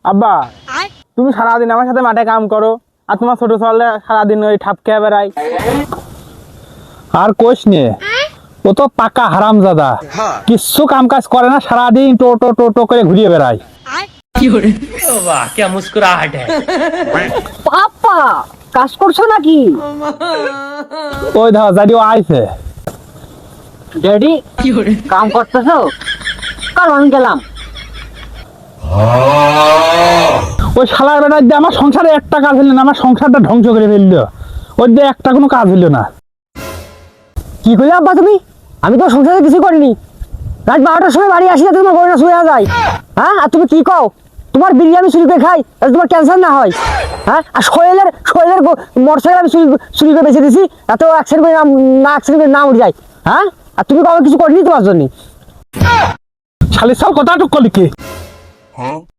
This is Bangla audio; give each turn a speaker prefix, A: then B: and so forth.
A: আব্বা তুমি সারাদিন আমার সাথে মাঠে কাম করো আর তোমার ছোট ছেলে সারাদিন ওই ঠাপ খেয়ে বেড়ায়।
B: আর কোষ নে, ও তো পাকা হারামজাদা, কিচ্ছু কাম কাজ করে না, সারাদিন টো টো টো করে ঘুরিয়ে বেড়ায়।
C: वाह क्या मुस्कुराहट है।
D: পাপা কাজ করছো নাকি?
B: ওই ধর জানি ও আইছে।
D: ড্যাডি কাম করতেছো? কারণ গেলাম।
B: ওই শালার বেড়ায় দিয়ে আমার সংসারে একটা কাজ হইলো না, আমার সংসারটা ধ্বংস করে ফেললো। ওই দিয়ে একটা কোনো কাজ হইলো না।
D: কি করলে আব্বা তুমি? আমি তো সংসারে কিছু করিনি। রাত 12টার সময় বাড়ি আসি না তোমার বউটা শুয়ে যায়। হ্যাঁ আর তুমি কি কও? তোমার বিরিয়ানি চুরি করে খাই তাহলে তোমার ক্যান্সার না হয়? হ্যাঁ আর সোহেলের মোটরসাইকেল আমি চুরি করে বেঁচে দিছি, এত অ্যাক্সিডেন্ট করে অ্যাক্সিডেন্ট করে না উঠে যায়। হ্যাঁ আর তুমি কবে কিছু করিনি তোমার জন্য?
B: শালির সাল কথাটুক করলি কি?